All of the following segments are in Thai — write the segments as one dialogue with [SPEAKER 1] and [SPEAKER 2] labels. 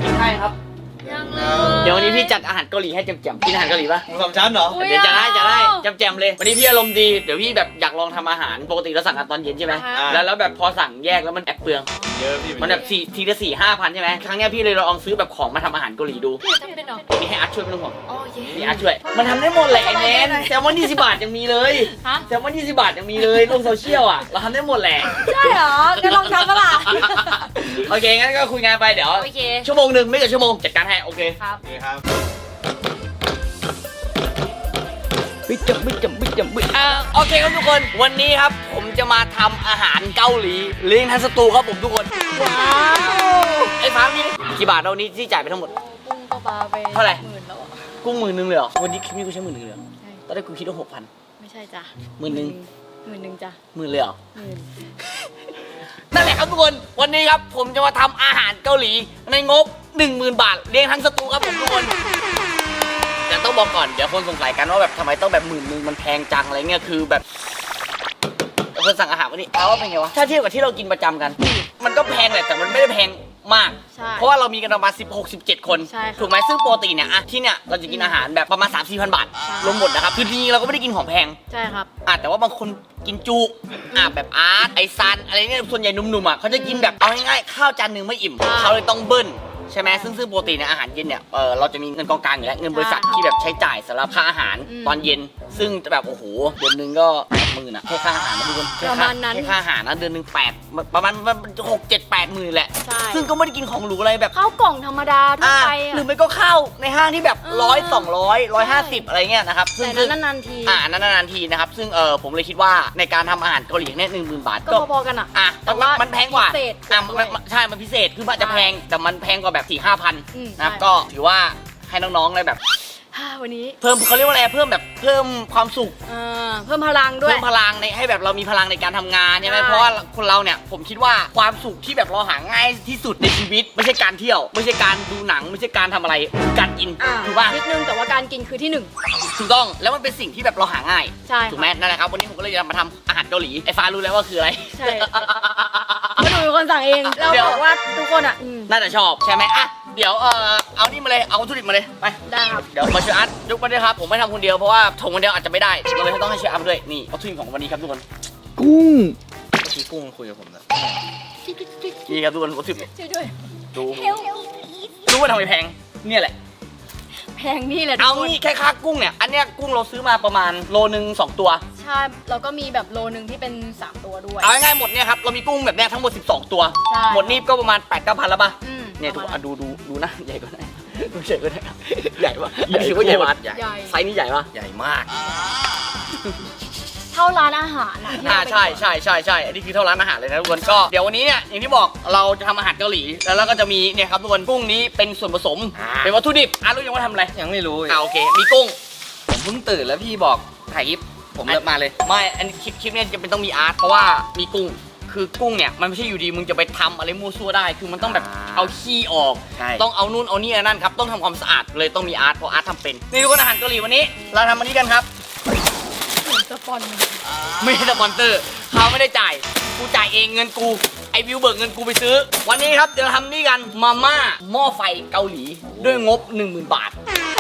[SPEAKER 1] กินให้ครับ
[SPEAKER 2] ยังเลย
[SPEAKER 1] เดี๋ยววันนี้พี่จัดอาหารเกาหลีให้แจ่มๆกินอาหารเกาหลีปะ
[SPEAKER 3] หมูสามชั้นเหรอ
[SPEAKER 1] เดี๋ยวจะได้แจ่มๆเลยวันนี้พี่อารมณ์ดีเดี๋ยวพี่แบบอยากลองทำอาหารปกติเราสั่งกันตอนเย็นใช่ไหมแล้วแบบพอสั่งแยกแล้วมันแอบเปลือง
[SPEAKER 3] เยอะพี่
[SPEAKER 1] มันแบบทีละ4-5 พันใช่ไหมครั้งนี้พี่เลยลองซื้อแบบของมาทำอาหารเกาหลีดู
[SPEAKER 2] พี่จำเป็นเหรอ
[SPEAKER 1] นี่ให้อาร์ตช่วยไม่ต้องห่วง
[SPEAKER 2] โอเค
[SPEAKER 1] นี่อาร์ตช่วยมันทำได้หมดแหละไอ้แนนแซลมอน20 บาทยังมีเลย
[SPEAKER 2] ฮะ
[SPEAKER 1] แซลมอน20 บาทยังมีเลยลงโซเชียลอ่ะเราทำได้หมดแหละ
[SPEAKER 2] ใช่เหรองั้นลองทำปะล่ะ
[SPEAKER 1] โอเคงั้นก็คุยงานไปเดี๋ยว
[SPEAKER 2] โอเค
[SPEAKER 1] ชั่วโมงหนึ่งไม่เกินชั่วโมงจัดการให้โอเค
[SPEAKER 2] ครับ
[SPEAKER 3] นี่ครับ
[SPEAKER 1] โอเคครับทุกคนวันนี้ครับผมจะมาทำอาหารเกาหลีเลี้ยงทั้งสตูครับผมทุกคนว้าวไอ้ฟ้านี่กี่บาทเรานี้ที่จ่ายไปทั้งหมด
[SPEAKER 2] กุ้งก็ปลาไป
[SPEAKER 1] เท่าไหร่
[SPEAKER 2] 10,000แล้วอะ
[SPEAKER 1] กุ้ง10,000เลยเหรอวันนี้คลิปนี้กูใช้10,000เลยเหรอ
[SPEAKER 2] ใช่
[SPEAKER 1] ตอนแรกกูคิดว่า6,000
[SPEAKER 2] ไม่ใช่จ้ะ
[SPEAKER 1] 10,000
[SPEAKER 2] 10,000จ้ะ
[SPEAKER 1] 10,000เลยเหรอ
[SPEAKER 2] 10,000
[SPEAKER 1] นั่นแหละครับทุกคนวันนี้ครับผมจะมาทำอาหารเกาหลีในงบ 10,000 บาทเลี้ยงทั้งสตูครับผมทุกคนแต่ต้องบอกก่อนเดี๋ยวคนสงสัยกันว่าแบบทำไมต้องแบบ10,000มันแพงจังอะไรเงี้ยคือแบบคนสั่งอาหารวันนี้เอาว่าเป็นไงวะถ้าเทียบกับที่เรากินประจำกัน มันก็แพงแหละแต่มันไม่ได้แพงมาก
[SPEAKER 2] ใช่
[SPEAKER 1] เพราะว่าเรามีกันประมาณ16-17 คน
[SPEAKER 2] ใช่ค่ะ
[SPEAKER 1] ถูกไหมซึ่งปกติเนี่ยอะที่เนี่ยเราจะกินอาหารแบบประมาณ 3-4,000 บาท
[SPEAKER 2] ใช่
[SPEAKER 1] รวมหมดนะครับคือจริงๆเราก็ไม่ได้กินของแพง
[SPEAKER 2] ใช่ครับ
[SPEAKER 1] แต่ว่าบางคนกินจุแบบอาร์ตไอซันอะไรเนี่ยส่วนใหญ่หนุ่มๆอ่ะเขาจะกินแบบเอาง่ายๆข้าวจานหนึ่งไม่อิ่ม
[SPEAKER 2] ใช่
[SPEAKER 1] เขาเลยต้องเบิ้ลใช่ไหมซึ่งปกติในอาหารเย็นเนี่ยเราจะมีเงินกองกลางอยู่แล้วเงินบริษัท
[SPEAKER 2] ใช่
[SPEAKER 1] ที่แบบใช้จ่ายสำหรับค่าอาหาร
[SPEAKER 2] อืม
[SPEAKER 1] ตอนเย็น ซึ่งแบบโอ้โหเดือนหนึงก็80,000อ่ะแค่ค่าอาหารนะทุกคนแค่
[SPEAKER 2] ประ
[SPEAKER 1] ค่า
[SPEAKER 2] มาณนั้น
[SPEAKER 1] แค่ค่าอาหารนะเดือนหนึง8ประมาณ6-7-8 หมื่นแหละ
[SPEAKER 2] ใช่
[SPEAKER 1] ซึ่งก็ไม่ได้กินของหรูอะไรแบบ
[SPEAKER 2] ข้าวกล่องธรรมดาทั่วไป
[SPEAKER 1] หรือ
[SPEAKER 2] อะ
[SPEAKER 1] ไม่ก็ข้าวในห้างที่แบบ
[SPEAKER 2] เออ
[SPEAKER 1] 100-200-150อะไรเงี้ยนะครับซึ่ง
[SPEAKER 2] แต่นั้นนานๆที
[SPEAKER 1] นานๆทีนะครับซึ่งผมเลยคิดว่าในการทำอาหารเกาหลีเนี่ย10,000 บาท
[SPEAKER 2] ก็พอๆกันอะ
[SPEAKER 1] แต่ว่ามันแพงกว่า
[SPEAKER 2] พิเศษ
[SPEAKER 1] ใช่ มันพิเศษคือมันจะแพงแต่มันแพงกว่าแบบ4-5 พัน
[SPEAKER 2] อืม
[SPEAKER 1] นะครับ
[SPEAKER 2] ใช่
[SPEAKER 1] ก็ถือว่าให้น้องๆเลยแบบ
[SPEAKER 2] วันนี้
[SPEAKER 1] เพิ่มเขาเรียกว่าอะไรเพิ่มความสุข
[SPEAKER 2] เพิ่มพลังด้วย
[SPEAKER 1] เพิ่มพลังในให้แบบเรามีพลังในการทำงานใช่ไหม
[SPEAKER 2] ใช่
[SPEAKER 1] เพราะว่าคนเราเนี่ยผมคิดว่าความสุขที่แบบเราหาง่ายที่สุดในชีวิต ไม่ใช่การเที่ยว ไม่ใช่การดูหนัง ไม่ใช่การทำอะไรคือการกินถูกป่ะ
[SPEAKER 2] นิดนึงแต่ว่าการกินคือที่หนึ่ง
[SPEAKER 1] ถูกต้องแล้วมันเป็นสิ่งที่แบบเราหาง่าย
[SPEAKER 2] ใช่
[SPEAKER 1] ถูกไหมนั่นแหละครับวันนี้ผมก็เลยจะมาทำอาหารเกาหลีไอ้ฟ้ารู้แล้วว่าคืออะไร
[SPEAKER 2] ใช่ก็ดูเป็นคนสั่งเองเรา
[SPEAKER 1] เดี๋ยว
[SPEAKER 2] บอกว่าทุกคนอ่ะ
[SPEAKER 1] น่าจะชอบใช่ไหมอ่ะเดี๋ยวเอานี่มาเลยเอาวัตถุดิบมาเลยไป
[SPEAKER 2] ได้ครับ
[SPEAKER 1] เดี๋ยวมาช่วยอาร์ตยกมาด้วยครับผมไม่ทำคนเดียวเพราะว่าถงคนเดียวอาจจะไม่ได้ก็เลยต้องให้ช่วยอาร์ตด้วยนี่วัตถุดิบของวันนี้ครับทุกคน
[SPEAKER 3] กุ้งเมื่อกี้กุ้งคุยกับผมนะ
[SPEAKER 1] นี่ครับทุกคนวัตถุดิบ
[SPEAKER 2] ช่วยด้วย
[SPEAKER 1] ดูรู้ว่าทำไมแพงเนี่ยแหละ
[SPEAKER 2] แพงนี่แหละทุ
[SPEAKER 1] เอา
[SPEAKER 2] กคน
[SPEAKER 1] นี่แค่ค่ากุ้งเนี่ยอันเนี้ยกุ้งเราซื้อมาประมาณโลนึง2 ตัว
[SPEAKER 2] ใช่แล้วก็มีแบบโลนึงที่เป็น3ตัวด้วย
[SPEAKER 1] เอาง่ายๆหมดเนี่ยครับเรามีกุ้งแบบเนี้ยทั้งหมด12 ตัว
[SPEAKER 2] ใช่
[SPEAKER 1] หมดนี่ก็ประมาณ 8-9 พันแล้วป่ะ
[SPEAKER 2] อืม
[SPEAKER 1] เนี่ย
[SPEAKER 2] ป
[SPEAKER 1] ทุก
[SPEAKER 2] ระ
[SPEAKER 1] ค
[SPEAKER 2] มาณ
[SPEAKER 1] นดูนะใหญ่กว่าไหนดูใหญ่กว่าไหนใหญ่ปะอันนี้ถือว่าใหญ่ปะ
[SPEAKER 3] ใหญ่
[SPEAKER 2] ใหญ่
[SPEAKER 1] ไซส์นี้ใหญ่ปะ
[SPEAKER 3] ใหญ่มาก
[SPEAKER 2] เท่าร้านอาหารอ่ะที่เราไป
[SPEAKER 1] ใช่อันนี้คือเท่าร้านอาหารเลยนะทุกคนก็เดี๋ยววันนี้เนี่ยอย่างที่บอกเราจะทำอาหารเกาหลีแล้วเราก็จะมีเนี่ยครับทุกคนกุ้งนี้เป็นส่วนผสมเป็นวัตถุดิบรู้ยังว่าทำอะไร
[SPEAKER 3] ยังไม่รู้
[SPEAKER 1] โอเคมีกุ้ง
[SPEAKER 3] ผมเพิ่งตื่นแล้วพี่บอกถ่ายคลิปผมเลิกมาเลย
[SPEAKER 1] ไม่อันนี้คลิปเนี่ยจะเป็นต้องมีอาร์ตเพราะว่ามีกุ้งคือกุ้งเนี่ยมันไม่ใช่อยู่ดีมึงจะไปทำอะไรมั่วซั่วได้คือมันต้องแบบเอาขี้ออก
[SPEAKER 3] ใช่
[SPEAKER 1] ต้องเอานู่นเอานี่นั่นครับต้องทำความสะอาดเลยต้องมีอาร์ตเพราะอาร์ตทำเป็นนี่ทุกคนอาหารเกาหลีวันนี้ เราทำอันนี้กันครับ
[SPEAKER 2] เหมือนสปอน
[SPEAKER 1] ไม่ใช่สปอนเซอร์เขาไม่ได้จ่ายกูจ่ายเองเงินกูไอวิวเบิกเงินกูไปซื้อ วันนี้ครับเดี๋ยวเราทำนี่กันมาม่าหม้อไฟเกาหลีด้วยงบ 10,000 บาท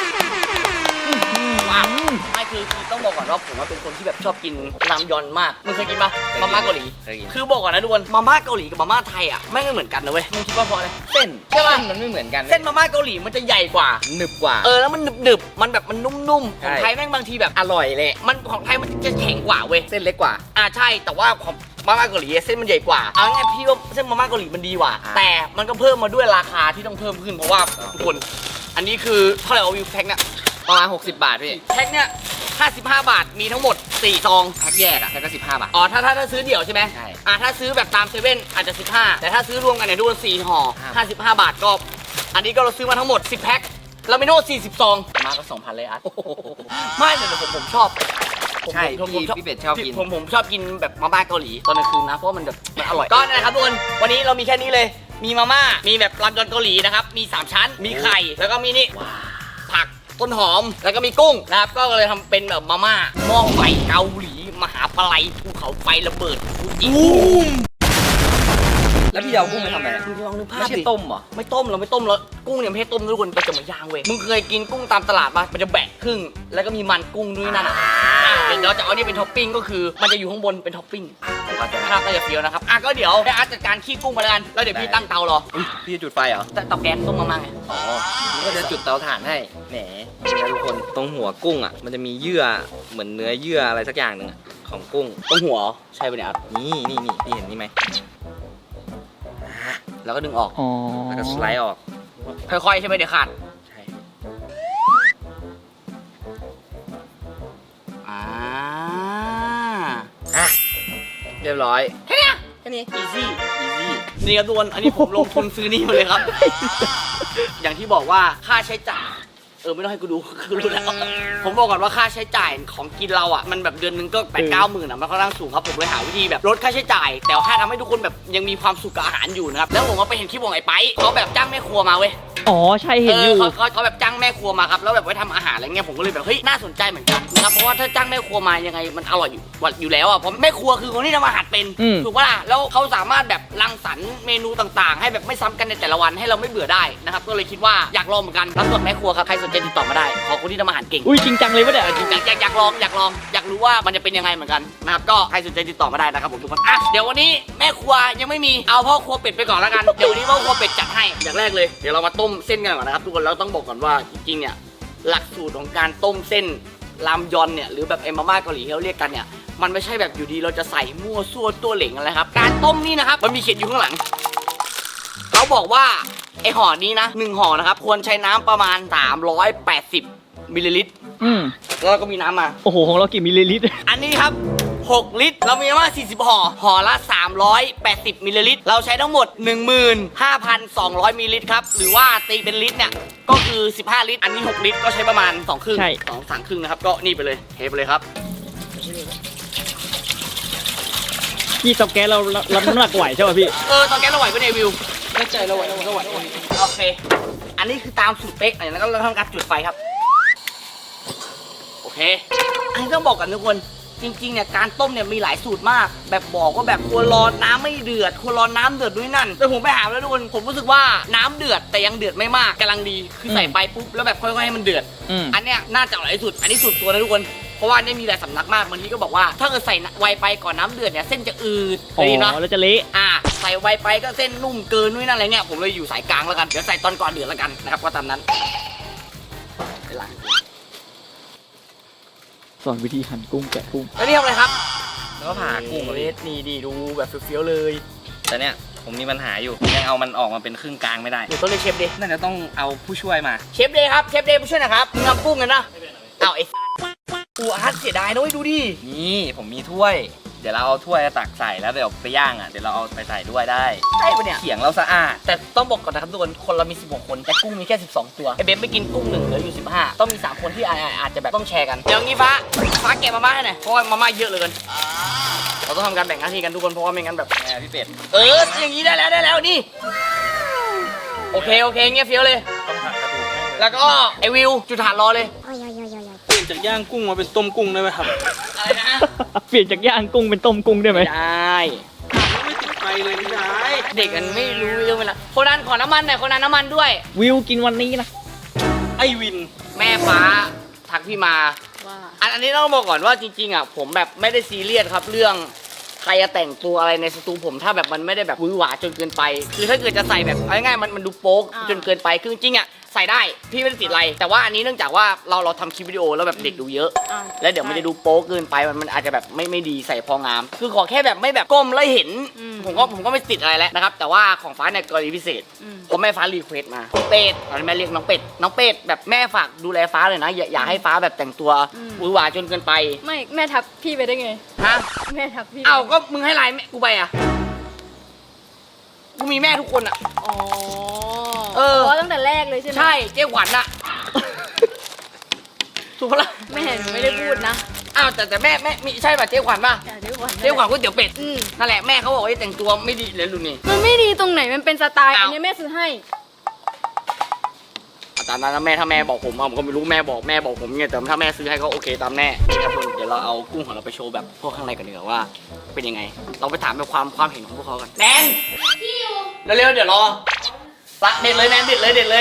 [SPEAKER 1] ว้าวไม่คือต้องบอกก่อนว่าผมว่าเป็นคนที่แบบชอบกินรามยอนมากมึงเคยกินปะมาม่าเกาหลี
[SPEAKER 3] เคยกิน
[SPEAKER 1] คือบอกก่อนนะทุกคนมาม่าเกาหลีกับมาม่าไทยอ่ะไม่เหมือนกันนะเว้ยมึงคิดว่าเพราะอะไร
[SPEAKER 3] เส้น
[SPEAKER 1] ใช่ปะ
[SPEAKER 3] มันไม่เหมือนกัน
[SPEAKER 1] เส้นมาม่าเกาหลีมันจะใหญ่กว่า
[SPEAKER 3] หนึบกว่า
[SPEAKER 1] แล้วมันหนึบๆมันแบบมันนุ่มๆของ
[SPEAKER 3] ใช่
[SPEAKER 1] ไทยแม่งบางทีแบบอร่อยเลยมันของไทยมันจะแข็งกว่าเว้ย
[SPEAKER 3] เส้นเล็กกว่า
[SPEAKER 1] ใช่แต่ว่าของมาม่าเกาหลีเส้นมันใหญ่กว่าเอาง่ายๆพี่ว่าเส้นมาม่าเกาหลีมันดีกว่า แต่มันก็เพิ่มมาด้วยราคาที่ต้องเพิ่มขึ้นเพราะว่าทุกคนอันนี้คือเท่าไหร่วิวแพ็คเนี่ย
[SPEAKER 3] ประมาณ60 บาทพี่
[SPEAKER 1] แพ็คเนี่ย55 บาทมีทั้งหมด4 ซอง
[SPEAKER 3] แพ็คแยกอะแพ็คก็15 บาท
[SPEAKER 1] ถ้าซื้อเดี่ยวใช่ไหม
[SPEAKER 3] ใช่
[SPEAKER 1] ถ้าซื้อแบบตามเซเว่นอาจจะ15แต่ถ้าซื้อรวมกันเนี่ยทุกคน4 ห่อ
[SPEAKER 3] ครับ
[SPEAKER 1] 55 บาทก็อันนี้ก็เราซื้อมาทั้งหมด10 แพ็คเราไม่โน้ต40 ซองมาก็ 2,000 เลยอาร์ตไม่แต่ผมชอบ
[SPEAKER 3] ใช่
[SPEAKER 1] ผม
[SPEAKER 3] พี่เป็ดชอบกิน
[SPEAKER 1] ผมชอบกินแบบมาม่าเกาหลีตอนกลางคืนนะเพราะว่ามันแบบมันอร่อยก็นั่นแหละครับทุกคนวันนี้เรามีแค่นี้เลยมีมาม่ามีแบบรามยอนเกาหลีนะครับมี3 ชั้นมีไข่แล้วก็มีนี่ผักต้นหอมแล้วก็มีกุ้งนะครับก็เลยทำเป็นแบบมาม่าหม้อไฟเกาหลีมหาปลัยภูเขาไฟระเบิดฟูจิ
[SPEAKER 3] แล้วพี่เอากุ้งไปทำอะไร
[SPEAKER 1] มึงลองนึกภาพ
[SPEAKER 3] ไม่ใช่
[SPEAKER 1] ดิ
[SPEAKER 3] ต้มเหรอ
[SPEAKER 1] ไม่ต้มเราไม่ต้มแล้วกุ้งเนี่ยไม่ให้ต้มนะทุกคนเราจะมาย่างเว้ยมึงเคยกินกุ้งตามตลาดปะมันจะแบะครึ่งแล้วก็มีมันกุ้งด้วยนั่นอ่ะเดี๋ยวเราจะเอานี่เป็นท็อปปิ้งก็คือมันจะอยู่ข้างบนเป็นท็อปปิ้งภาพก็จะเฟี้ยวนะครับก็เดี๋ยวให้อาร์ตจัดการขี้กุ้งมาแล้วกันแล้วเดี๋ยวพี่ตั้งเตารอ
[SPEAKER 3] อุ๊ยพี่จะจุดไฟเหรอ
[SPEAKER 1] เตาแก๊สต้มมาม่าไง
[SPEAKER 3] อ๋อนี่ก็จะจุดเตาถ่านให้แหมนี่นะทุกคนตรงหัวกุ้งอ่ะมันจะมีเยื่อเหมือนเนื้อเยื่ออะไรสักอย่างหนึ่งอะของกุ้ง
[SPEAKER 1] ต้มหัวใช่ปะเนี่ยอาร์ต
[SPEAKER 3] นี่พี่เห็นนี่ไหม
[SPEAKER 1] แล้วก็ดึงออก
[SPEAKER 2] อ๋อ
[SPEAKER 3] แล้วก็สไลด์ออก
[SPEAKER 1] ค่อยๆใช่ไหมเดี๋ยวขาด
[SPEAKER 3] ใช่
[SPEAKER 1] อ่า
[SPEAKER 3] อ่ะเรียบร้อย
[SPEAKER 1] แค่เนี้ย
[SPEAKER 3] แค่นี้
[SPEAKER 1] อีซี่
[SPEAKER 3] อีซี่
[SPEAKER 1] นี่ครับทุกคนอันนี้ผมลงทุนซื้อนี่มาเลยครับ อย่างที่บอกว่าค่าใช้จ่ายไม่ต้องให้กูดู คือรู้แล้วผมบอกก่อนว่าค่าใช้จ่ายของกินเราอ่ะมันแบบเดือนนึงก็8-9 หมื่นอ่ะมันค่อนข้างสูงครับผมเลยหาวิธีแบบลดค่าใช้จ่าย แต่ว่าทำให้ทุกคนแบบยังมีความสุขกับอาหารอยู่นะครับแล้วผมก็ไปเห็นคลิปของไอ้ไปเขาแบบจ้างแม่ครัวมาเว้ย
[SPEAKER 2] อ๋อใช่เห็นอยู่
[SPEAKER 1] เขาแบบจ้างแม่ครัวมาครับแล้วแบบไว้ทำอาหารอะไรเงี้ยผมก็เลยแบบเฮ้ยน่าสนใจเหมือนกันนะครับเพราะว่าถ้าจ้างแม่ครัวมายังไงมันอร่อยอยู่แล้วอ่ะเพราะแม่ครัวคือคนที่ทำอาหารเป็น
[SPEAKER 2] อืม
[SPEAKER 1] ถูกปะล่ะแล้วเขาสามารถแบบรังสรรค์เมนูต่างๆ ให้แบบไม่ซ้ำกันในแต่ละวันให้เราไม่เบื่อได้นะครับก็เลยคิดว่าอยากลองเหมือนกันรับส่วนแม่ครัวครับใครสนใจติดต่อมาได้ขอคนที่ทำอาหารเก่ง
[SPEAKER 2] อุ้ยจริงจังเลยปะเนี่ย
[SPEAKER 1] จริงๆอยากลองอยากรู้ว่ามันจะเป็นยังไงเหมือนกันนะครับก็ใครสนใจติดต่อมาได้นะครับผมทุกคนเดี๋ยววันนี้แม่ครัวยังไม่มีเอาพ่อครัวเป็ดไปก่อนแล้วกันเดี๋ยววันนี้พ่อครัวเป็ดจัดให้อย่างแรกเลยเดี๋ยวเรามาต้มเส้นกันก่อนนะครับทุกคนเราต้องบอกก่อนว่าจริงๆเนี่ยหลักสูตรของการต้มเส้นรามยอนเนี่ยหรือแบบมาม่าเกาหลีที่เขาเรียกกันเนี่ยมันไม่ใช่แบบอยู่ดีเราจะใส่มั่วซั่วตัวเหล่งอะไรครับการต้มนี่นะครับมันมีเขียนอยู่ข้างหลังเขาบอกว่าไอห่อนี้นะ1ห่อนะครับควรใช้น้ำประมาณ380มิลลิลิตรแล้วก็มีน้ำมา
[SPEAKER 2] โอ้โหของเรากี่มิลลิลิตร
[SPEAKER 1] อันนี้ครับ 6 ลิตร เรามีมา40 ห่อ ห่อละ 380 มิลลิลิตร เราใช้ทั้งหมด 15,200 มิลลิลิตรครับ หรือว่าตีเป็นลิตรเนี่ย ก็คือ 15 ลิตร อันนี้ 6 ลิตร ก็ใช้ประมาณ 2 ครึ่ง
[SPEAKER 2] ใช่
[SPEAKER 1] 2-3 ครึ่งนะครับ ก็นี่ไปเลย เทไปเลยครับ
[SPEAKER 2] พี่เตาแก๊สเรารับน้ำหนักไหวใช่ป่ะพี่
[SPEAKER 1] ตอนแกเราไหวปะเนี่ยวิว
[SPEAKER 3] ไม่ใจเราไหวก็ไหว
[SPEAKER 1] โอเค อันนี้คือตามสูตรเป๊กอย่างนั้นก็เราทำการจุดไฟครับ โอเค อันนี้ต้องบอกกันทุกคน จริงๆเนี่ยการต้มเนี่ยมีหลายสูตรมาก แบบบอกว่าแบบควรรอน้ำไม่เดือดควรรอน้ำเดือดด้วยนั่น แต่ผมไปหาแล้วทุกคน ผมรู้สึกว่าน้ำเดือดแต่ยังเดือดไม่มากกำลังดี คือใส่ไปปุ๊บแล้วแบบค่อยๆให้มันเดือด อันเนี้ยน่าจะอร่อยที่สุด อันนี้สุดตัวนะทุกคน เพราะว่าเนี่ยมีหลายสำนักมากบางทีก็บอกว่าถ้าเกิดใส่ไวไปก่อนน้ำเดือดเนี่ยเส้นจะอืด
[SPEAKER 2] อ๋
[SPEAKER 1] เลยนะ
[SPEAKER 2] อแล้วจะเละ
[SPEAKER 1] ใส่ไวไปก็เส้นนุ่มเกินนู่นนั่นอะไรเนี่ยผมเลยอยู่สายกลางแล้วกันเดี๋ยวใส่ตอนก่อนเดือดแล้วกันนะครับก็ตามนั้นไปล้าง
[SPEAKER 2] สอนวิธีหั่นกุ้งแกะกุ้ง
[SPEAKER 1] แล้วนี่ทำอะไรครับ
[SPEAKER 3] แล้วก็ผ่ากุ้ง
[SPEAKER 1] เลสนี่ดีดูแบบเฟี้ยวๆเลย
[SPEAKER 3] แต่เนี่ยผมมีปัญหาอยู่ผมยังเอามันออกมาเป็นครึ่งกลางไม่ได้
[SPEAKER 1] เดี๋ยวต้องเรียกเชฟเดย์
[SPEAKER 3] น่าจะต้องเอาผู้ช่วยมา
[SPEAKER 1] เชฟเดย์ครับเชฟเดย์ผู้ช่วยหนะครับมึงทำกุ้งกันนะเอาไอ้กูอาร์ตเสียดายนะเว้ยดูดิ
[SPEAKER 3] นี่ผมมีถ้วย เดี๋ยวเราเอาถ้วยตักใส่แล้วเดี๋ยวไปย่างอ่ะเดี๋ยวเราเอาไปใส่ด้วยได้
[SPEAKER 1] ใช่ปะเนี่ย
[SPEAKER 3] เขียงเราสะอาด
[SPEAKER 1] แต่ต้องบอกก่อนนะครับทุกคนคนเรามี16คนแต่กุ้งมีแค่12ตัวไอเบฟไปกินกุ้ง1เหลืออยู่15ต้องมี3คนที่อาจจะแบบต้องแชร์กันเดี๋ยวงี้ฟ้าแกะมาม่าให้หน่อยเพราะว่ามาม่าเยอะเหลยกันเราต้องทำการแบ่งหน้าที่กันทุกคนเพราะว่าไม่งั้นแบบ
[SPEAKER 3] พี่เป็ด
[SPEAKER 1] อย่างนี้ได้แล้วนี่โอเคเงี้ยเฟี้ยวเลย
[SPEAKER 3] ต้องหักกระดูก
[SPEAKER 1] แล้วก็ไอวิวจุดฐานรอเลย
[SPEAKER 4] เปลี่ยนจากย่างกุ้งมาเป็นต้มกุ้งได้ไหมครับ
[SPEAKER 1] อะไรนะ
[SPEAKER 2] เปลี่ยนจากย่างกุ้งเป็นต้มกุ้งได้ไหม
[SPEAKER 1] ไม่ได้
[SPEAKER 4] ไม่ติดไฟเลยไม่ได้
[SPEAKER 1] เด็กมันไม่รู้เรื่องเวลาคนนั้นขอน้ำมันหน่อยคนนั้นน้ำมันด้วย
[SPEAKER 2] วิวกินวันนี้นะ
[SPEAKER 4] ไอวิน
[SPEAKER 1] แม่ฟ้าทักพี่มา
[SPEAKER 2] ว่า
[SPEAKER 1] อันนี้ต้องบอกก่อนว่าจริงๆอ่ะผมแบบไม่ได้ซีเรียสครับเรื่องใครจะแต่งตัวอะไรในสตูผมถ้าแบบมันไม่ได้แบบหวือหวาจนเกินไปคือถ้าเกิดจะใส่แบบเอาง่ายๆมันดูโป๊กจนเกินไปคือจริงๆอ่ะใส่ได้พี่ไม่ได้ติดอะไร แต่ว่าอันนี้เนื่องจากว่าเราทำคลิปวิดีโอแล้วแบบเด็กดูเยอะ แล้วเดี๋ยวมันจะดูโป๊กเกินไปมันอาจจะแบบไม่ดีใส่พองาม คือขอแค่แบบไม่แบบก้มแล้วเห็นผมก็ไม่ติดอะไรแล้วนะครับแต่ว่าของฟ้าเนี่ยกรณีพิเศษผมแม่ฟ้ารีเควสมาเป็ดตอนนี้แม่เรียกน้องเป็ดแบบแม่ฝากดูแลฟ้าเลยนะอย่าให้ฟ้าแบบแต่งตัวหวือหวาจนเกินไป
[SPEAKER 5] ไม่แม่ทับพี่ไปได้ไง
[SPEAKER 1] ฮะ
[SPEAKER 5] แม่ทับพี่
[SPEAKER 1] เอ้าก็มึงให้ไลน์แม่กูไปอ่ะกูมีแม่ทุกคนอ่ะ
[SPEAKER 5] อ๋อ ตั้งแต่แรกเลยใช่ไหม
[SPEAKER 1] ใช่เจ๊ขวัญอ่ะถูกปะล่ะ
[SPEAKER 5] แม่หนูไม่ได้พูดนะ
[SPEAKER 1] อ้าวแต่แม่มีใช่ป่ะเจ๊ขวัญป่ะ
[SPEAKER 5] แต่เดี๋ยวก่อน
[SPEAKER 1] เจ๊ขวัญก๋วยเตี๋ยวเป็ด
[SPEAKER 5] อืม
[SPEAKER 1] นั่นแหละแม่เขาบอกว่าแต่งตัวไม่ดีเลยลุนี่
[SPEAKER 5] มันไม่ดีตรงไหนมันเป็นสไตล์
[SPEAKER 1] อ้าว
[SPEAKER 5] อันนี้แม่ซื้อให้
[SPEAKER 1] ตามนั้นนะแม่ถ้าแม่บอกผมผมก็ไม่รู้แม่บอกผมไงแต่ถ้าแม่ซื้อให้ก็โอเคตามแน่นี่ครับทุกคนเดี๋ยวเราเอากุ้งของเราไปโชว์แบบพวกข้างในกันดีกว่าว่าเป็นยังไงเราไปถามแบบความเห็นของพวกเขากันแนนเร็วๆเดี๋ยวรอละเด็ดเลยแนนเด็ดเลยเป็นไง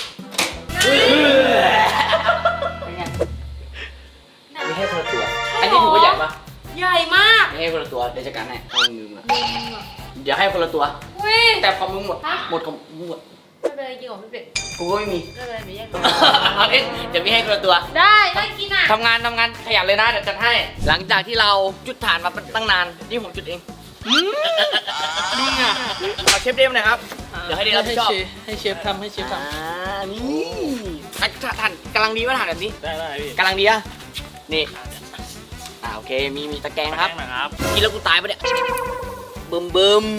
[SPEAKER 1] ไม่ให้คนละตัวอันนี้ถือว่าใหญ่ปะ
[SPEAKER 2] ใหญ่มาก
[SPEAKER 1] ไม่ให้คนละตัวเดี๋ยวจัดการให้เอามือมาเดี๋ยวให้คนละตัว
[SPEAKER 2] อุ้ย
[SPEAKER 1] แต่ของมึงหมด
[SPEAKER 2] ฮะ
[SPEAKER 1] หมดของมึงหมด
[SPEAKER 5] ไม่เป็นไรจริงเหรอพี่เป็ด
[SPEAKER 1] กูก็ไม่มี
[SPEAKER 5] ไม่เป็นไรหนูแยกตัว
[SPEAKER 1] เดี๋ยวพี่ให้คนละตัว
[SPEAKER 2] ได้ได้กินอ่ะ
[SPEAKER 1] ทำงานขยันเลยนะเดี๋ยวจัดให้ หลังจากที่เราจุดฐานมาตั้งนานนี่ผมจุดเอง
[SPEAKER 4] นี่ไง
[SPEAKER 1] ขอเชฟเดมหน่อยครับ เดี๋ยวให้เดมรับผิดชอบ
[SPEAKER 4] ให้เชฟทำให้เชฟท
[SPEAKER 1] นี่ฐานกำลังดีว่าฐานแบบนี้
[SPEAKER 4] ำได้พี่
[SPEAKER 1] กำลังดีอะนี่โอเคมีตะแกรงครับ
[SPEAKER 4] นะครับ
[SPEAKER 1] กินแล้วกูตายปะเนี่ยบึม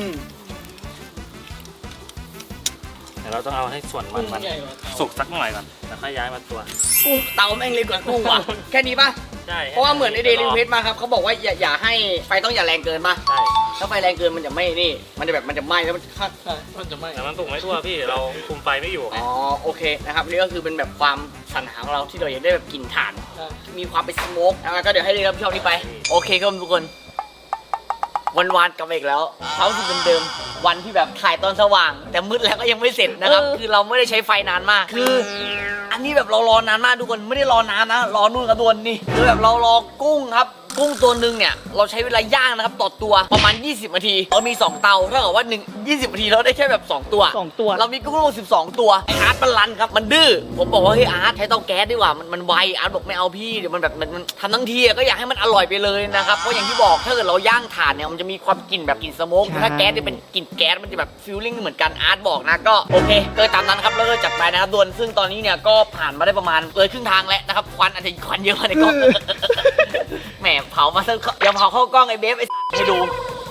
[SPEAKER 6] เดี๋ยวเราต้องเอาให้ส่วนมันสุกสักหน่อยก่อนแล้วค่อยย้ายมาตัว
[SPEAKER 1] กุ้งเตาแม่งเลยกว่ากุ้งว่ะ แค่นี้ปะ
[SPEAKER 6] ใช่
[SPEAKER 1] เพราะว่าเหมือนไอเดลิเวทมาครับเขาบอกว่าอย่าให้ไฟต้องอย่าแรงเกินป่ะ
[SPEAKER 6] ใช่
[SPEAKER 1] ถ้าไฟแรงเกินมันจะไม่นี่มันจะไหม้แล้วมัน
[SPEAKER 4] ใช่มันจะไม่
[SPEAKER 6] แต่มันสุกไม่ทั่วพี่เราคุมไฟไม่อยู่ไง
[SPEAKER 1] อ๋อโอเคนะครับนี่ก็คือเป็นแบบความสรรหาของเราที่เราอยากได้แบบกลิ่นถ่าน มีความเป็นสโมกแล้วก็เดี๋ยวให้เดรับผิดชอบนี้ไปโอเคครับทุกคนวันกลับมาอีกแล้วเขาคือเดิมๆวันที่แบบถ่ายตอนสว่าง แต่มืดแล้วก็ยังไม่เสร็จนะครับคือเราไม่ได้ใช้ไฟนานมากคือ อันนี้แบบเรารอนานมากทุกคนไม่ได้รอนานนะรอนู่นกระดวนนี่คือแบบเรารอกุ้งครับกุ้งตัวหนึ่งเนี่ยเราใช้เวลาย่างนะครับต่อตัวประมาณ20นาทีเรามี2เตาเท่ากับว่า20นาทีเราได้แค่แบบ2ตัวเรามีกุ้งทั้งหมด12ตัวไออาร์ตมันรันครับมันดื้อผมบอกว่าเฮ้ยอาร์ตใช้เตาแก๊สดีกว่ามันไวอาร์ตบอกไม่เอาพี่เดี๋ยวมันแบบมันทำทั้งทีก็อยากให้มันอร่อยไปเลยนะครับเพราะอย่างที่บอกถ้าเกิดเราย่างถ่านเนี่ยมันจะมีความกลิ่นแบบกลิ่นสโมกถ้าแก๊สจะเป็นกลิ่นแก๊สมันจะแบบฟีลลิ่งเหมือนกันอาร์ตบอกนะก็โอเคก็ตามนั้นครับแล้วก็จัดไปนะครับด่วนซึ่งตอนนี้เนี่ยก็ผ่านมาได้ประมาณครึ่งทางแล้วนะครับควันอาจจะควันเยอะมาในกล้อง แหมเผามาซะยังเผาเข้ากล้องไอ้เบฟไอ้ให้ดู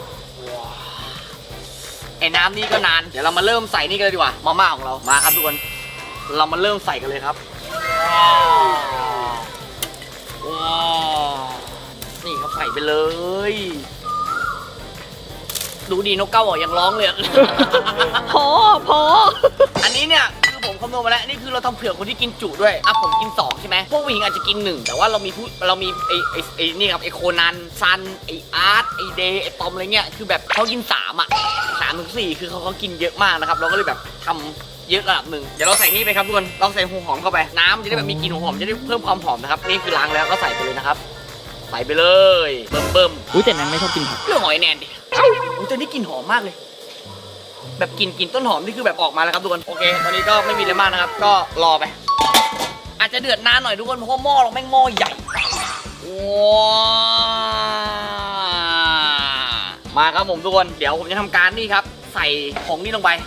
[SPEAKER 1] ไอ้น้ำนี่ก็นานเดี๋ยวเรามาเริ่มใส่นี่กันเลยดีกว่ามาม่าของเรามาครับทุกคนเรามาเริ่มใส่กันเลยครับว้าวนี่ครับใส่ไปเลยดูดีนกเก้าบอกยังร้องเลย
[SPEAKER 2] พอ
[SPEAKER 1] อันนี้เนี่ยคือผมคำนวณมาแล้วนี่คือเราทำเผื่อคนที่กินจุด้วยผมกิน2ใช่ไหมพวกผู้หญิงอาจจะกิน1แต่ว่าเรามีไอ้นี่ครับไอ้โคนันซันไอ้อาร์ตไอ้เดย์ไอ้ตอมอะไรเงี้ยคือแบบเขากิน3 3 ถึง 4คือเขากินเยอะมากนะครับเราก็เลยแบบทำเยอะระดับหนึ่งเดี๋ยวเราใส่นี่ไปครับทุกคนเราใส่หัวหอมเข้าไปน้ำจะได้แบบมีกลิ่นหัวหอมจะได้เพิ่มความหอมนะครับนี่คือล้างแล้วก็ใส่ไปเลยนะครับใส่ไปเลยเบิ่ม
[SPEAKER 3] อุ้ยแต่นั้นไม่ชอบกินผัก
[SPEAKER 1] เรื่องหอยแนนดิอุ้ยตัวนี้กลิ่นหอมมากเลยแบบกลิ่นต้นหอมนี่คือแบบออกมาแล้วครับทุกคนโอเคตอนนี้ก็ไม่มีอะไรมากนะครับก็รอไปอาจจะเดือดนานหน่อยทุกคนเพราะว่าหม้อเราแม่งหม้อใหญ่ว้ามาครับผมทุกคนเดี๋ยวผมจะทำการนี่ครับใส่ของนี่ลงไป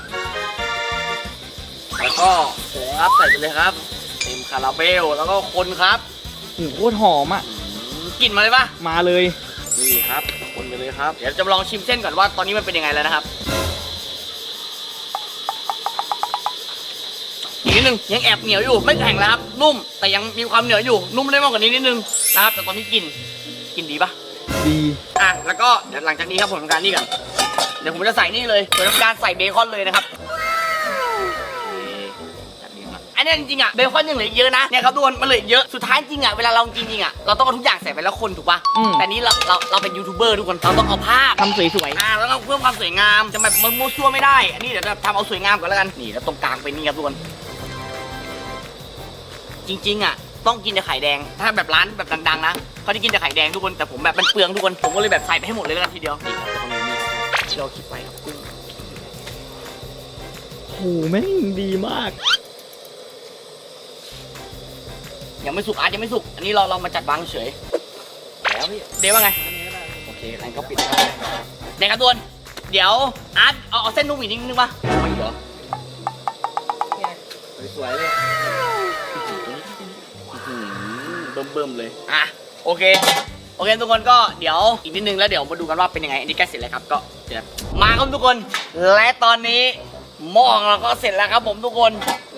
[SPEAKER 1] แล้วก็ผงครับใส่ไปเลยครับเต็มคาราเบลแล้วก็คนครับ
[SPEAKER 3] โคตรหอมอ่ะ
[SPEAKER 1] กลิ่นมาเลยปะ
[SPEAKER 3] มาเลย
[SPEAKER 1] นี่ครับคนไปเลยครับเดี๋ยวจะลองชิมเส้นก่อนว่าตอนนี้มันเป็นยังไงแล้วนะครับอีกนิดนึงยังแอบเหนียวอยู่ไม่แข็งแล้วครับนุ่มแต่ยังมีความเหนียวอยู่นุ่มได้มากกว่านี้นิดนึงนะครับแต่ตอนนี้กินดีปะ
[SPEAKER 3] ดี
[SPEAKER 1] แล้วก็เดี๋ยวหลังจากนี้ครับผมทำการนี่กันเดี๋ยวผมจะใส่นี่เลยผมทำการใส่เบคอนเลยนะครับอันนี้จริงๆเบคอนยังเหลืออีกเยอะนะเนี่ยครับทุกคนมันเหลืออีกเยอะสุดท้ายจริงเวลาเรากินจริงเราต้องเอาทุกอย่างใส่ไปแล้วคนถูกปะแต่นี้เราเป็นยูทูบเบอร์ทุกคนเราต้องเอาภาพ
[SPEAKER 3] ทำสวย
[SPEAKER 1] แล้วก็เพิ่มความสวยงามจะแบบมันมั่วซั่วไม่ได้อันนี้เดี๋ยวจะทำเอาสวยงามก่อนแล้วกันนี่แล้วตรงกลางเป็นนี่ครับทุกคนจริงๆต้องกินแต่ไข่แดงถ้าแบบร้านแบบดังๆนะเขาจะกินแต่ไข่แดงทุกคนแต่ผมแบบมันเปลืองทุกคนผมก็เลยแบบใส่ไปให้หมดเลยแล้วกันทีเดียวนี่ครับตรงนี้ที่เราคิดไว้ครับกุ้ง
[SPEAKER 3] ๆโหแม่งดีมาก
[SPEAKER 1] ยังไม่สุกอาจจะไม่สุกอันนี้เรามาจัดวางเฉยแล้วพี่เดวว่าไงโอเคงั้นก็ปิดครับในกระดวนเดี๋ยวอาร์ตเอาเส้นนุ่มอีกนิดนึงป่ะไม่เหรอ
[SPEAKER 3] สวยเลย
[SPEAKER 1] เบิ่มๆเลยโอเคทุกคนก็เดี๋ยวอีกนิดนึงแล้วเดี๋ยวมาดูกันว่าเป็นยังไงอันนี้ใกล้เสร็จแล้วครับก็เดี๋ยวมาครับทุกคนและตอนนี้หม้อของเราก็เสร็จแล้วครับผมทุกคน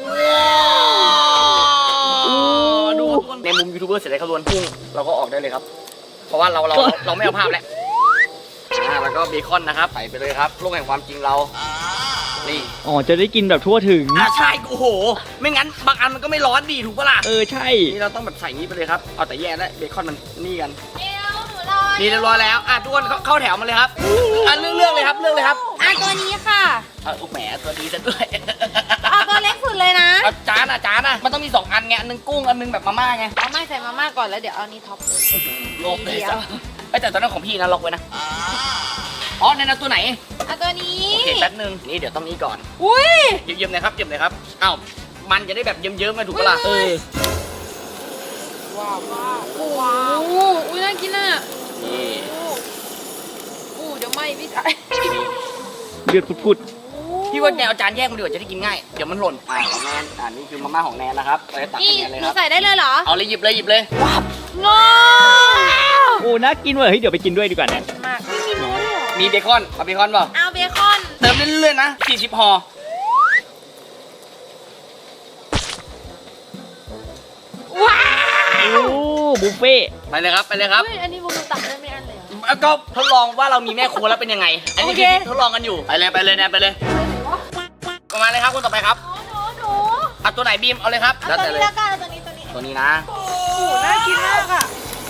[SPEAKER 1] ดูทุกคนในมุมยูทูบเบอร์เสร็จแล้วครับทุกคนพุ่งเราก็ออกได้เลยครับ เพราะว่าเราไม่เอาภาพแล้วแล้วก็เบคอนนะครับใส่ไปเลยครับโลกแห่งความจริงเรานี่
[SPEAKER 7] อ๋อจะได้กินแบบทั่วถึง
[SPEAKER 1] ใช่โอ้โหไม่งั้นบางอันมันก็ไม่ร้อนดีถูกปะล่ะ
[SPEAKER 7] ใช่
[SPEAKER 1] นี่เราต้องแบบใส่งี้ไปเลยครับเอาแต่แย่แล้วเบคอนมันนี่กัน
[SPEAKER 2] เอวหนูรอ
[SPEAKER 1] นี่เรียบร้อยแล้วทุกคนเข้าแถวมาเลยครับเลือกเลยครับเลือกเลยครับ
[SPEAKER 2] ตัวนี้ค่ะ
[SPEAKER 1] แหมตัวดีซะด้วย
[SPEAKER 2] เอาตัวเล็กสุดเลยนะ
[SPEAKER 1] จานมันต้องมี2อันไงอันนึงกุ้งอันนึงแบบมาม่าไง
[SPEAKER 5] เอาไม่ใส่มาม่าก่อนแล้วเดี๋ยวเอานี่ท็อปเลย
[SPEAKER 1] โลกเลยจ้ะแต่ตอนนั้นของพี่นะล็อกไว้นะในนั้นตัวไหน
[SPEAKER 2] เอาตัวนี้
[SPEAKER 1] โอเคแป๊บนึงนี่เดี๋ยวต้องนี้ก่อน
[SPEAKER 2] อุ้ย
[SPEAKER 1] เยิ้มๆหน่อยครับเยิ้มหน่อยครับอ้าวมันจะได้แบบเยิ้มๆกันถูกปะล่ะ
[SPEAKER 5] ว้าวอุ้ยน่ากินอ่ะ
[SPEAKER 1] นี่
[SPEAKER 5] เดี๋ยวไม่พี่ชาย
[SPEAKER 7] เลือดพุด
[SPEAKER 1] พี่ว่าแนวจานแยกมันดีกว่าจะได้กินง่ายเดี๋ยวมันหล่นของแนนนี่คือมาม่าของแนนนะครับไปตัก
[SPEAKER 2] นี่
[SPEAKER 1] ให้แนนเลย
[SPEAKER 2] ห
[SPEAKER 1] ค
[SPEAKER 2] นู
[SPEAKER 1] รับ
[SPEAKER 2] ใส่ได้เลยเหรอ
[SPEAKER 1] เอาเลยหยิบเลยว้าว
[SPEAKER 2] ว้าว
[SPEAKER 7] ๆโอ้น่ากินเว้ยเฮ้ยเดี๋ยวไปกินด้วยดีกว่าเนี่ย
[SPEAKER 5] มาก
[SPEAKER 2] ไม่มีโน้ตเลยเหรอ
[SPEAKER 1] มีเบคอนเอาเบคอนเปล่า
[SPEAKER 2] เอาเบคอน
[SPEAKER 1] เติมเรื่อยๆนะ40ห่อ
[SPEAKER 2] ว้าว
[SPEAKER 7] โอ้บุฟเฟ่ต์
[SPEAKER 1] ไปเลยครับไปเลยครับ
[SPEAKER 5] เฮ้ยอันนี้บุกตักได้ไม่อันเลยเหรอ
[SPEAKER 1] แล้วก็ทดลองว่าเรามีแม่ครัวแล้วเป็นยังไง อันนี้
[SPEAKER 2] โอเค
[SPEAKER 1] คือทดลองกันอยู่ไปเลยแนนไปเลยประมาณเลยครับคนต่อไปครับ
[SPEAKER 2] หนู
[SPEAKER 1] เอาตัวไหนบีมเอาเลยครับ
[SPEAKER 2] เอาตัวนี้แล้วกันเอาตัวนี้
[SPEAKER 1] ตัวนี้นะ
[SPEAKER 5] น่ากินมากอ่ะ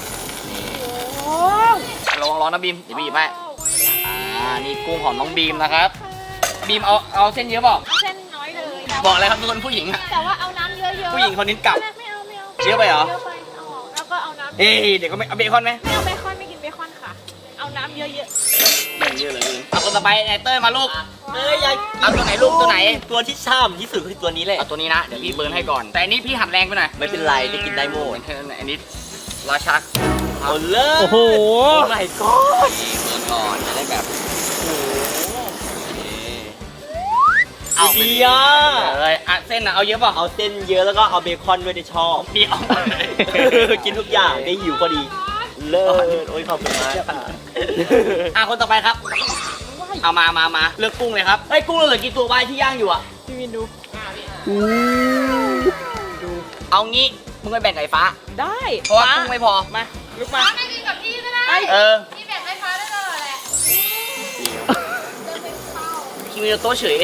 [SPEAKER 1] ระวังร้อนนะบีมเดี๋ยวบีบให้นี่กุ้งของน้องบีมนะครับบีมเอาเส้นเยอะเปล่า
[SPEAKER 2] เส้นน้อยเลย
[SPEAKER 1] บอกเลยครับทุกคนผู้หญิงอะ
[SPEAKER 2] แต่ว่าเอาน้ำเยอะๆ
[SPEAKER 1] ผู้หญิงคนนี้กลับ
[SPEAKER 2] ไม่เอา
[SPEAKER 1] เยอะไปเหรอ
[SPEAKER 2] เยอะไปเอาออกแล้วก็เอาน้ำ
[SPEAKER 1] เดี๋ยวก็ไม่เอาเบคอนไหม
[SPEAKER 2] ไม่เอาเบคอนไม่กินเบคอนค่ะ เอาน้ำเยอะ
[SPEAKER 1] เยอะเลยเอาคนต่อไปไนเต้ยมาลูก
[SPEAKER 3] อยาก
[SPEAKER 1] เอาตัวไหนลูกตัวไหน
[SPEAKER 3] ตัวที่ชอบที่สุดคือตัวนี้แหละ
[SPEAKER 1] เอาตัวนี้นะเดี๋ยวพี่เบิร์นให้ก่อน แต่อันนี้พี่หัดแรงไปหน่อย
[SPEAKER 3] ไม่เป็นไรได้กินได้หมด
[SPEAKER 1] อันนี้ราชัก
[SPEAKER 3] เอาเลย
[SPEAKER 7] โอ้โห
[SPEAKER 3] ไม่ก็
[SPEAKER 1] เบิร์นก่อนจะได้แบบเอาไป
[SPEAKER 3] ดีอ่ะ
[SPEAKER 1] เลยเส้นเอาเยอะเปล่า
[SPEAKER 3] เอาเส้นเยอะแล้วก็เอาเบคอนด้วยที่ชอบ
[SPEAKER 1] พี่เอาเลย
[SPEAKER 3] กินทุกอย่างได้หิวพอดี เลิศโอ้ยขอบคุณมากค่ะ
[SPEAKER 1] คนต่อไปครับ เอามาเลือกกุ้งเลยครับเฮ้ยกุ้งเราเหลือกี่ตัวใบที่ย่างอยู่อ่ะ
[SPEAKER 5] พี่วินดู
[SPEAKER 1] เอางี้มึงไปแบ่งไก่ฟ้า
[SPEAKER 5] ได้
[SPEAKER 1] เพราะว่ากุ้งไม่พอมา
[SPEAKER 5] ลุกมา
[SPEAKER 2] ๆไม่กินกับพี่ก็ได้ พี่แบ่งให้ฟ้าได้ตลอดแหละ
[SPEAKER 1] คิมิโนโตะเฉย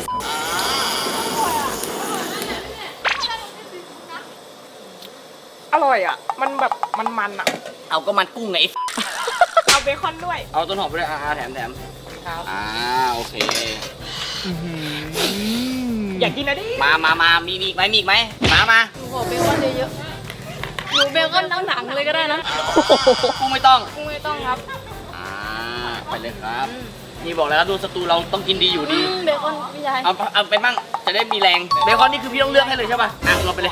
[SPEAKER 5] อร่อยอ่ะ มันแบบมันอ่ะ
[SPEAKER 1] เอาก็มันกุ้งไง
[SPEAKER 5] เอาเบคอนด้วย
[SPEAKER 1] เอาต้นหอมไปด้วยแถม
[SPEAKER 5] ครับ
[SPEAKER 1] โอเค
[SPEAKER 5] อยากกินนะดิ
[SPEAKER 1] มามีอีกไหมมา
[SPEAKER 5] หนูขอเบคอนเยอะๆหนูเบคอนทั้งหนังเลยก็ได้นะ
[SPEAKER 1] กุ้งไม่ต้อง
[SPEAKER 5] กุ้งไม่ต้องครับ
[SPEAKER 1] ไปเลยครับ นี่บอกแล้วครับดูสตูเราต้องกินดีอยู่ดี
[SPEAKER 5] เบคอนพี่ชาย
[SPEAKER 1] เอาไปมั่งจะได้มีแรงเบคอนนี่คือพี่ต้องเลือกให้เลยใช่ป่ะเอาไปเลย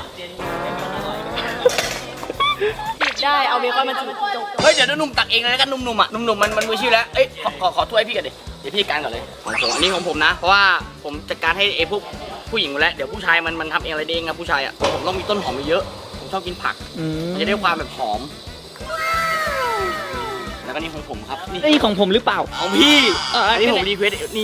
[SPEAKER 5] หยิบได้ เอาเบคอนมาจุก
[SPEAKER 1] เฮ้ยเดี๋ยวหนุ่มตักเองเลยแล้วกันหนุ่มๆอ่ะหนุ่มๆมันมืออาชีพแล้วเอ้ยขอถ้วยพี่กันดิเดี๋ยวพี่การก่อนเลยของผมอันนี้ของผมนะ เพราะว่าผมจัดการให้ไอ้พวกผู้หญิงหมดแล้วเดี๋ยวผู้ชายมันทำเองอะไรได้เองนะผู้ชายอ่ะผมต้องมีต้นหอมเยอะผมชอบกินผักมันจะได้ความแบบหอม แล้วก็นี่ของผมครับนี่
[SPEAKER 7] นี่ของผมหรือเปล่า
[SPEAKER 1] ของพี่อันนี้ผมรีเควสนี่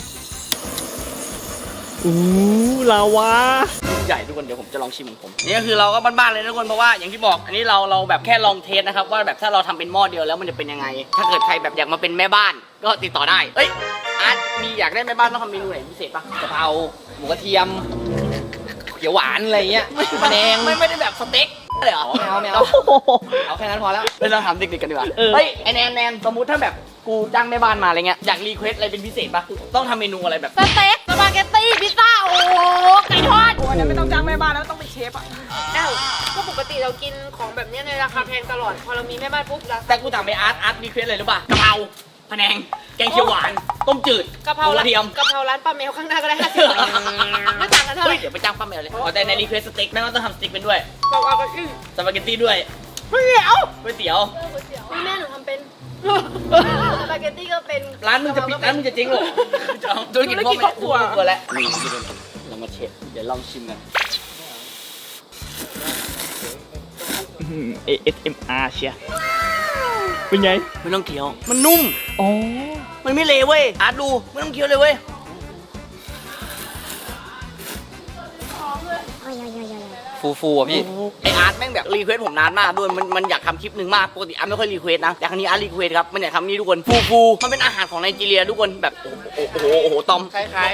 [SPEAKER 7] ลาวา
[SPEAKER 1] ใหญ่ทุกคนเดี๋ยวผมจะลองชิมของผมนี่ก็คือเราก็บ้านๆเลยนะทุกคนเพราะว่าอย่างที่บอกอันนี้เราแบบแค่ลองเทสนะครับว่าแบบถ้าเราทำเป็นหม้อเดียวแล้วมันจะเป็นยังไง ถ้าเกิดใครแบบอยากมาเป็นแม่บ้านก็ติดต่อได้เอ้ยอาร์ตมีอยากได้แม่บ้านต้องทำเมนูไหนพิเศษปะ
[SPEAKER 3] กะเพราหมูกระเทียมเขียวหวานอะไรเงี้ยแผนง
[SPEAKER 1] ไม่ได้แบบสเต็กเลยเหรอ
[SPEAKER 3] ไม่เอาเอาแค่นั้นพอแล้ว
[SPEAKER 1] เราถามเด็กๆกันดีกว่าเฮ้ยไอแนนสมมุติถ้าแบบกูจ้างแม่บ้านมาอะไรเงี้ยอยากรีเควสอะไรเป็นพิเศษปะต้องทำเมนูอะไรแบบ
[SPEAKER 2] สเต็กสปาเกตตี้พิซซ่าโอ้โหไก่ทอด
[SPEAKER 5] ๆอันนั้นไม่ต้องจ้างแม่บ้านแล้วต้องเป็นเชฟอ่ะ
[SPEAKER 8] อ้าวก็ปกติเรากินของแบบเนี้ยในราคาแพงตลอด พอเรามีแม่บ้านปุ๊บเรา
[SPEAKER 1] แต่กูถามไปอาร์ตรีเควสอะไรรู้ป่ะกะเพราพะแนงแกงเขียวหวานต้มจืด
[SPEAKER 8] กะเพรา
[SPEAKER 1] หมูกระเทียม
[SPEAKER 8] กะเพราร้านป้าแมวข้างหน้าก็ได้50 บาทไม่ต่างกันเท่าไห
[SPEAKER 1] เฮ้
[SPEAKER 8] ร่
[SPEAKER 1] ยเดี๋ยวไปจ้างป้าแมวเลยอ๋อแต่ในรีเควสสเต็กแม่งก็ต้องทำสเต็กเป็นด้วย
[SPEAKER 8] บอกเอาก็อื้อ
[SPEAKER 1] สปาเกตตี้ด้วย
[SPEAKER 8] ไม่เดี๋ยว
[SPEAKER 1] ก๋วยเตี๋ยว
[SPEAKER 8] นี่แม่หนูทำเป็นสปาเกตตี้ก็เป็น
[SPEAKER 1] ร้านมึงจะปิดร้านมึงจะเจ๊งเหรอธุรกิจพ่อแม่ครัวแล้วนี่เรามาเช็ดเดี๋ยวลองชิมกัน
[SPEAKER 7] ASMR เชียเป็นไง
[SPEAKER 1] ไม่ต้องเคี้ยวมันนุ่ม
[SPEAKER 7] อ๋อ
[SPEAKER 1] มันไม่เละเว้ยอาร์ตดูไม่ต้องเคี้ยวเลยเว้ยโฟ
[SPEAKER 3] ฟูๆอ่ะพี่
[SPEAKER 1] ไออาร์ตแม่งแบบรีเควสผมนานมากด้วยมันอยากทำคลิปหนึ่งมากปกติอาร์ตไม่ค่อยรีเควสนะแต่ครั้งนี้อาร์ตรีเควสครับมันอยากทำนี่ทุกคนฟูมันเป็นอาหารของไนจีเรียทุกคนแบบโอ้โหตอมคล้าย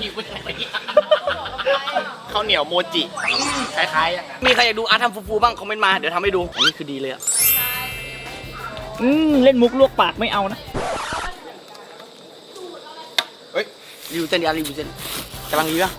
[SPEAKER 1] ๆข้าวเหนียวโมจิคล้ายๆมีใครอยากดูอาร์ตทำฟูบ้างคอมเมนต์มาเดี๋ยวทำให้ดูอันนี้คือดีเลยอะ
[SPEAKER 7] เล่นมุกลวกปากไม่เอานะ
[SPEAKER 1] รีวิวเส้นรีวิวเส้นกำลังดีปะ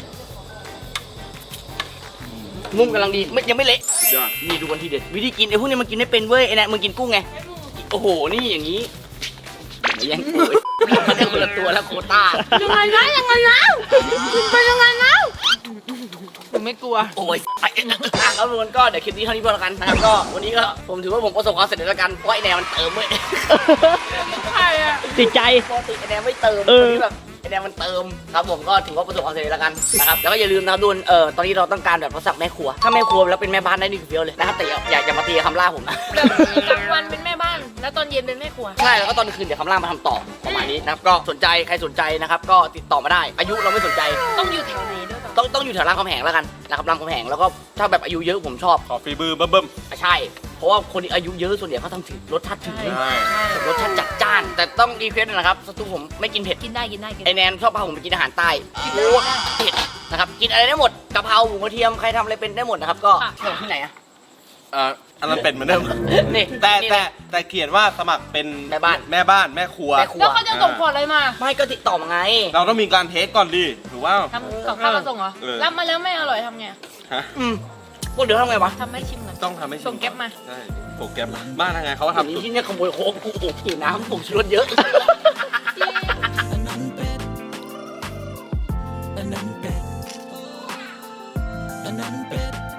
[SPEAKER 1] นุ่มกำลังดีไม่ยังไม่เละนี่ดูวันที่เด็ดวิธีกินไอ้พวกนี้มันกินไม่เป็นเว้ยไอ้แนนมึงกินกุ้งไงโอ้โหนี่อย่างนี้อย่าแย่งกูมันได้คนละตัวแล้วโควต้า
[SPEAKER 2] ยังไงนะยังไงนะคุณเป็นยังไงนะ
[SPEAKER 5] ผมไม่กลัว
[SPEAKER 1] โอ้ยครับทุกคนก็เดี๋ยวคลิปนี้เท่านี้พอแล้วกันนะครับก็วันนี้ก็ผมถือว่าผมประสบความสำเร็จแล้วกันเพราะไอ้แนนมันเติมเว้ย
[SPEAKER 5] ใช่อะ
[SPEAKER 7] ติดใจ
[SPEAKER 1] ปกติไอ้แนนไม่เติม
[SPEAKER 7] เออ
[SPEAKER 1] วันนี้แบบไอ้แนนมันเติมครับผมก็ถือว่าประสบความสำเร็จแล้วกันนะครับแล้วก็อย่าลืมนะครับทุกคนตอนนี้เราต้องการแบบรักษาแม่ครัวถ้าแม่ครัวแล้วเป็นแม่บ้านได้นี่คือเฟี้ยวเลยนะครับแต่อย่ามาตีคำล่าผมนะ
[SPEAKER 8] แบบกลางวันเป็นแม่บ้าน แล้วตอนเย็นเป็นแม่ครัว
[SPEAKER 1] ใช่แล้วก็ตอนคืนเดี๋ยวคำล่ามาทำต่อประมาณนี้นะครับก็สนใจใครสนใจนะครับก็ติดต่อมาได้ อายุเราไม่สนใจ
[SPEAKER 8] ต้องอยู่แถวไหนด้วยป่ะ
[SPEAKER 1] ต้องอยู่แถวรามคำแหงแล้วกันนะครับรามคำแหงแล้วก็ถ้าแบบอายุเยอะผมชอบ
[SPEAKER 6] ขอฟีบือเบิ่ม
[SPEAKER 1] ใช่เพราะว่าคนที่อายุเยอะส่วนใหญ่เขาทำถึงรสชาติถึง
[SPEAKER 6] ๆใช่
[SPEAKER 1] รสชาติจัดจ้าน แต่ต้องรีเควสนะครับสตูผมไม่กินเผ็ด
[SPEAKER 8] กินได้กินได้กิน
[SPEAKER 1] ไอ
[SPEAKER 8] ได้
[SPEAKER 1] แนนชอบพาผมไปกินอาหารใต้โอ้เผ็ดนะครับกินอะไรได้หมดกะเพราหมูกระเทียมใครทำอะไรเป็นได้หมดนะครับก็ส่งที่ไหนอะ
[SPEAKER 6] อันนั้นเป็นเหมือนเดิม
[SPEAKER 1] นี่
[SPEAKER 6] แต่เขียนว่าสมัครเป็น
[SPEAKER 1] แม่บ้าน
[SPEAKER 6] แม่ครัว
[SPEAKER 1] แม่ครัว
[SPEAKER 8] แล้วเขาจะส่งขวดอะไรมา
[SPEAKER 1] ไม่ก็ติดต่อมาไง
[SPEAKER 6] เราต้องมีการเทสก่อนดิหรือว่า
[SPEAKER 8] ทำกับข้าวมาส่งเหรอ
[SPEAKER 6] เออ
[SPEAKER 8] รับมาแล้วไม่อร่อยทำไง
[SPEAKER 6] ฮะ
[SPEAKER 1] พวกเดี๋ยวทำไงวะ
[SPEAKER 8] ทำให้ชิมก่อน
[SPEAKER 6] ต้องทำให้ชิ
[SPEAKER 8] ส่งแก๊ปมา
[SPEAKER 6] ใช่โปรแกรมบ้านทางไงเขาก็
[SPEAKER 1] อันนี้
[SPEAKER 6] ทำ
[SPEAKER 1] ที่เนี่ยขโมยโค้กกูหิวน้ำผมชูรสเยอะ
[SPEAKER 9] อันนั้นเป็ด